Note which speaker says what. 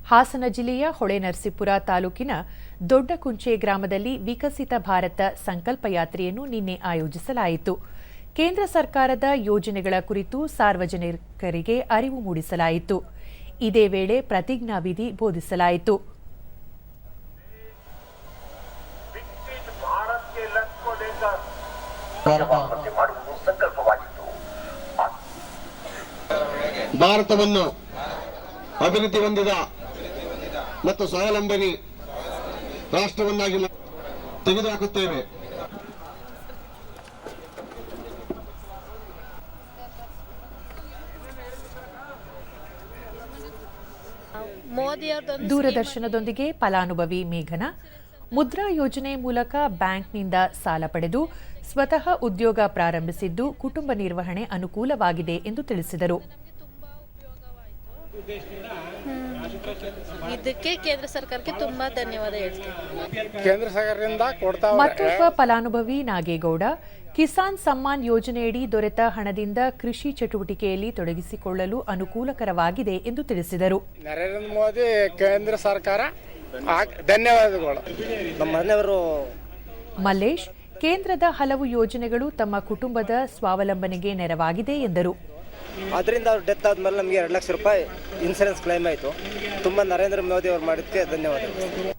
Speaker 1: ಹಾಸನ ಜಿಲ್ಲೆಯ ಹೊಳೆನರಸೀಪುರ ತಾಲೂಕಿನ ದೊಡ್ಡಕುಂಚೆ ಗ್ರಾಮದಲ್ಲಿ ವಿಕಸಿತ ಭಾರತ ಸಂಕಲ್ಪ ಯಾತ್ರೆಯನ್ನು ನಿನ್ನೆ ಆಯೋಜಿಸಲಾಯಿತು. ಕೇಂದ್ರ ಸರ್ಕಾರದ ಯೋಜನೆಗಳ ಕುರಿತು ಸಾರ್ವಜನಿಕರಿಗೆ ಅರಿವು ಮೂಡಿಸಲಾಯಿತು. ಇದೇ ವೇಳೆ ಪ್ರತಿಜ್ಞಾವಿಧಿ ಬೋಧಿಸಲಾಯಿತು.
Speaker 2: ಭಾರತವನ್ನು ಅಭಿವೃದ್ಧಿ ಹೊಂದಿದ ಮತ್ತು ಸ್ವಾವಲಂಬನಿ ರಾಷ್ಟ್ರವನ್ನಾಗಿ ತೆಗೆದುಹಾಕುತ್ತೇವೆ.
Speaker 1: ದೂರದರ್ಶನದೊಂದಿಗೆ ಫಲಾನುಭವಿ ಮೇಘನ ಮುದ್ರಾ ಯೋಜನೆ ಮೂಲಕ ಬ್ಯಾಂಕ್ನಿಂದ ಸಾಲ ಪಡೆದು ಸ್ವತಃ ಉದ್ಯೋಗ ಪ್ರಾರಂಭಿಸಿದ್ದು ಕುಟುಂಬ ನಿರ್ವಹಣೆ ಅನುಕೂಲವಾಗಿದೆ ಎಂದು ತಿಳಿಸಿದರು.
Speaker 3: ಇದಕ್ಕೆ ಕೇಂದ್ರ ಸರ್ಕಾರಕ್ಕೆ ತುಂಬಾ ಧನ್ಯವಾದ ಹೇಳ್ತೀನಿ.
Speaker 4: ಕೇಂದ್ರ ಸರ್ಕಾರದಿಂದ
Speaker 1: ಮತ್ತೊಬ್ಬ ಫಲಾನುಭವಿ ನಾಗೇಗೌಡ ಕಿಸಾನ್ ಸಮ್ಮಾನ್ ಯೋಜನೆಯಡಿ ದೊರೆತ ಹಣದಿಂದ ಕೃಷಿ ಚಟುವಟಿಕೆಯಲ್ಲಿ ತೊಡಗಿಸಿಕೊಳ್ಳಲು ಅನುಕೂಲಕರವಾಗಿದೆ ಎಂದು ತಿಳಿಸಿದರು.
Speaker 4: ನರೇಂದ್ರ ಮೋದಿ ಕೇಂದ್ರ ಸರ್ಕಾರ ಧನ್ಯವಾದಗಳು.
Speaker 5: ನಮ್ಮ ಮನೆಯವರು
Speaker 1: ಮಲ್ಲೇಶ್ ಕೇಂದ್ರದ ಹಲವು ಯೋಜನೆಗಳು ತಮ್ಮ ಕುಟುಂಬದ ಸ್ವಾವಲಂಬನೆಗೆ ನೆರವಾಗಿದೆ ಎಂದರು.
Speaker 5: ಅದರಿಂದ ಅವ್ರು ಡೆತ್ ಆದ್ಮೇಲೆ ನಮಗೆ 2 ಲಕ್ಷ ರೂಪಾಯಿ ಇನ್ಸೂರೆನ್ಸ್ ಕ್ಲೈಮ್ ಆಯಿತು. ತುಂಬ ನರೇಂದ್ರ ಮೋದಿ ಅವರು ಮಾಡಿದ್ದಕ್ಕೆ ಧನ್ಯವಾದಗಳು.